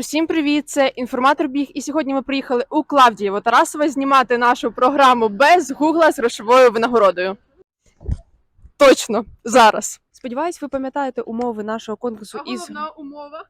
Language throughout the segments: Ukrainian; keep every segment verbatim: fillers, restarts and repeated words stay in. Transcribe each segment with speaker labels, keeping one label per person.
Speaker 1: Усім привіт! Це інформатор Біг, і сьогодні ми приїхали у Клавдієво-Тарасове знімати нашу програму без гугла з грошовою винагородою. Точно, зараз. Сподіваюсь, ви пам'ятаєте умови нашого конкурсу
Speaker 2: А
Speaker 1: із...
Speaker 2: головна умова?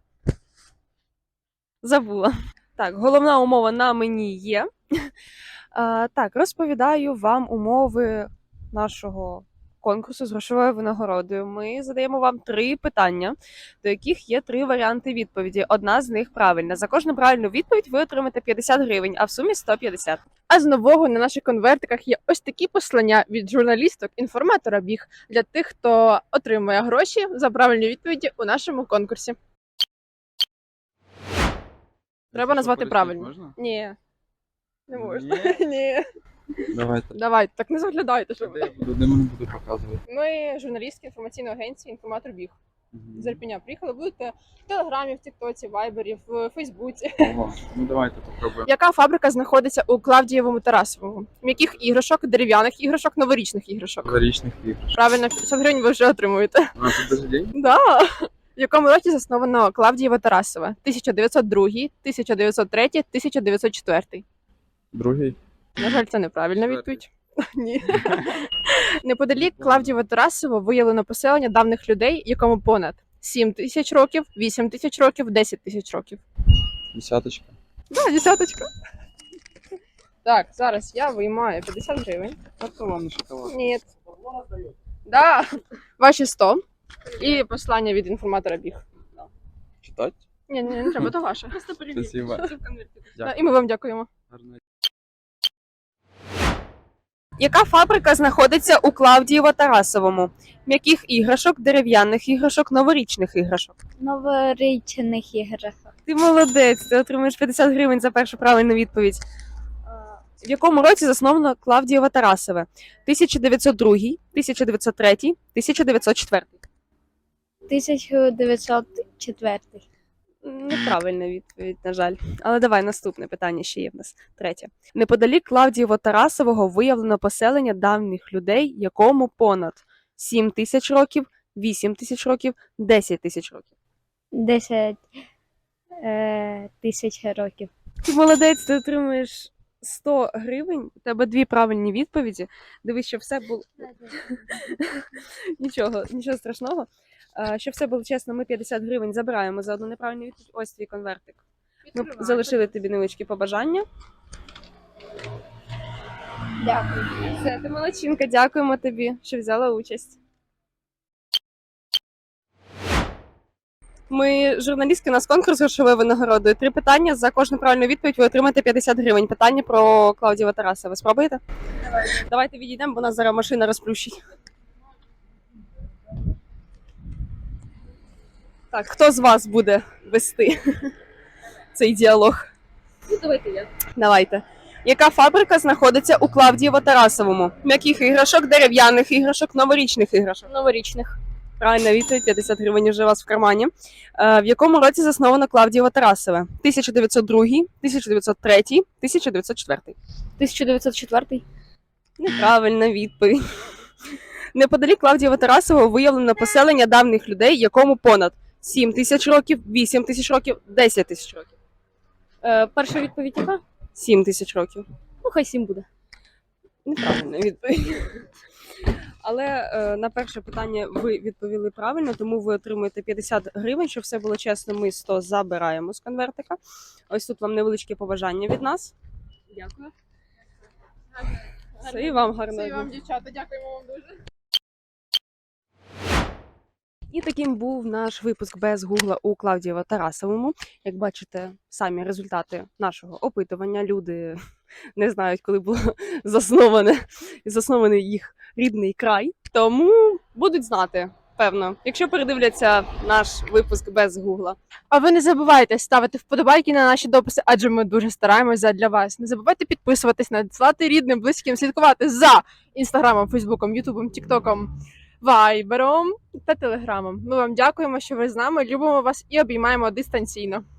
Speaker 1: Забула. Так, головна умова на мені є. А, так, розповідаю вам умови нашого конкурсу з грошовою винагородою. Ми задаємо вам три питання, до яких є три варіанти відповіді. Одна з них правильна. За кожну правильну відповідь ви отримаєте п'ятдесят гривень, а в сумі сто п'ятдесят. А з нового на наших конвертиках є ось такі послання від журналісток інформатора Біг для тих, хто отримує гроші за правильні відповіді у нашому конкурсі. Треба назвати правильно.
Speaker 3: Можна?
Speaker 1: Ні. Не можна.
Speaker 3: Ні?
Speaker 1: Ні.
Speaker 3: Давайте.
Speaker 1: Давайте, так не заглядайте, щоб ви.
Speaker 3: Де мені буду показувати?
Speaker 1: Ми журналістки інформаційної агенції «Інформатор Біг». З Ірпеня приїхали. Будете в Телеграмі, в Тіктоці, Вайбері, в Фейсбуці.
Speaker 3: Ого, ну давайте попробуємо.
Speaker 1: Яка фабрика знаходиться у Клавдієвому Тарасовому? М'яких іграшок, дерев'яних іграшок, новорічних іграшок?
Speaker 3: Новорічних іграшок.
Speaker 1: Правильно, п'ятдесят гривень ви вже отримуєте.
Speaker 3: А тут даже день?
Speaker 1: Да. В якому році засновано Клавдієво-Тарасове? тисяча дев'ятсот другий, тисяча дев'ятсот третій, тисяча дев'ятсот четвертий.
Speaker 3: Другий.
Speaker 1: На жаль, це неправильна
Speaker 3: Четвертий.
Speaker 1: відповідь. Ні. Неподалік Клавдієво-Тарасово виявлено поселення давніх людей, якому понад сім тисяч років, вісім тисяч років, десять тисяч років.
Speaker 3: Десяточка.
Speaker 1: Да, десяточка. Так, зараз я виймаю п'ятдесят гривень.
Speaker 3: А то вам на шоколад.
Speaker 1: Ні. Да. Ваші сто. І послання від інформатора Біг.
Speaker 3: Читать?
Speaker 1: Ні, ні, не треба, то ваше. Просто перевірте.
Speaker 3: Спасибо.
Speaker 1: Це в конверті. Да,
Speaker 3: Дякую.
Speaker 1: і ми вам дякуємо.
Speaker 3: Гарно.
Speaker 1: Яка фабрика знаходиться у Клавдієво-Тарасовому? М'яких іграшок, дерев'яних іграшок, новорічних іграшок.
Speaker 4: Новорічних іграшок.
Speaker 1: Ти молодець, ти отримуєш п'ятдесят гривень за першу правильну відповідь. В якому році засновано Клавдієво-Тарасове? тисяча дев'ятсот другий, тисяча дев'ятсот третій, тисяча дев'ятсот четвертий.
Speaker 4: тисяча дев'ятсот четвертий.
Speaker 1: Неправильна відповідь, на жаль. Але давай, наступне питання ще є в нас. Третє. Неподалік Клавдієво-Тарасового виявлено поселення давніх людей, якому понад сім тисяч років, вісім тисяч років, десять тисяч років.
Speaker 4: десять е, тисяч років.
Speaker 1: Ти молодець, ти отримуєш сто гривень, у тебе дві правильні відповіді. Дивись, що все було... Нічого, нічого страшного. А, щоб все було чесно, ми п'ятдесят гривень забираємо за одну неправильну відповідь. Ось твій конвертик. Ми залишили тобі невеличкі побажання.
Speaker 4: Дякую.
Speaker 1: Все, ти молодчинка, дякуємо тобі, що взяла участь. Ми журналістки, у нас конкурс грошової винагородою. Три питання, за кожну правильну відповідь ви отримаєте п'ятдесят гривень. Питання про Клавдієво-Тарасове. Ви спробуєте? Давай. Давайте відійдемо, бо нас зараз машина розплющить. Так, хто з вас буде вести цей діалог? Ну, давайте я. Давайте. Яка фабрика знаходиться у Клавдієво-Тарасовому? М'яких іграшок, дерев'яних іграшок, новорічних іграшок?
Speaker 4: Новорічних.
Speaker 1: Правильна відповідь, п'ятдесят гривень вже у вас в кармані. Е, в якому році засновано Клавдієво-Тарасове? тисяча дев'ятсот другий, тисяча дев'ятсот третій, тисяча дев'ятсот четвертий.
Speaker 4: тисяча дев'ятсот четвертий.
Speaker 1: Неправильна відповідь. Неподалік Клавдієво-Тарасового виявлено поселення давніх людей, якому понад сім тисяч років, вісім тисяч років, десять тисяч років.
Speaker 4: Е, перша відповідь яка?
Speaker 1: сім тисяч років.
Speaker 4: Ну, хай сім буде.
Speaker 1: Неправильна відповідь. Але е, на перше питання ви відповіли правильно, тому ви отримуєте п'ятдесят гривень, щоб все було чесно, ми сто забираємо з конвертика. Ось тут вам невеличке побажання від нас. Дякую. Все, і вам гарного
Speaker 2: Все, і
Speaker 1: дня.
Speaker 2: вам, дівчата, дякуємо вам дуже.
Speaker 1: І таким був наш випуск без гугла у Клавдієво-Тарасовому. Як бачите, самі результати нашого опитування. Люди не знають, коли було засноване, заснований їх рідний край. Тому будуть знати, певно, якщо передивляться наш випуск без гугла. А ви не забувайте ставити вподобайки на наші дописи, адже ми дуже стараємося для вас. Не забувайте підписуватись, надсилати рідним, близьким, слідкувати за інстаграмом, фейсбуком, ютубом, тіктоком, вайбером та телеграмом. Ми вам дякуємо, що ви з нами, любимо вас і обіймаємо дистанційно.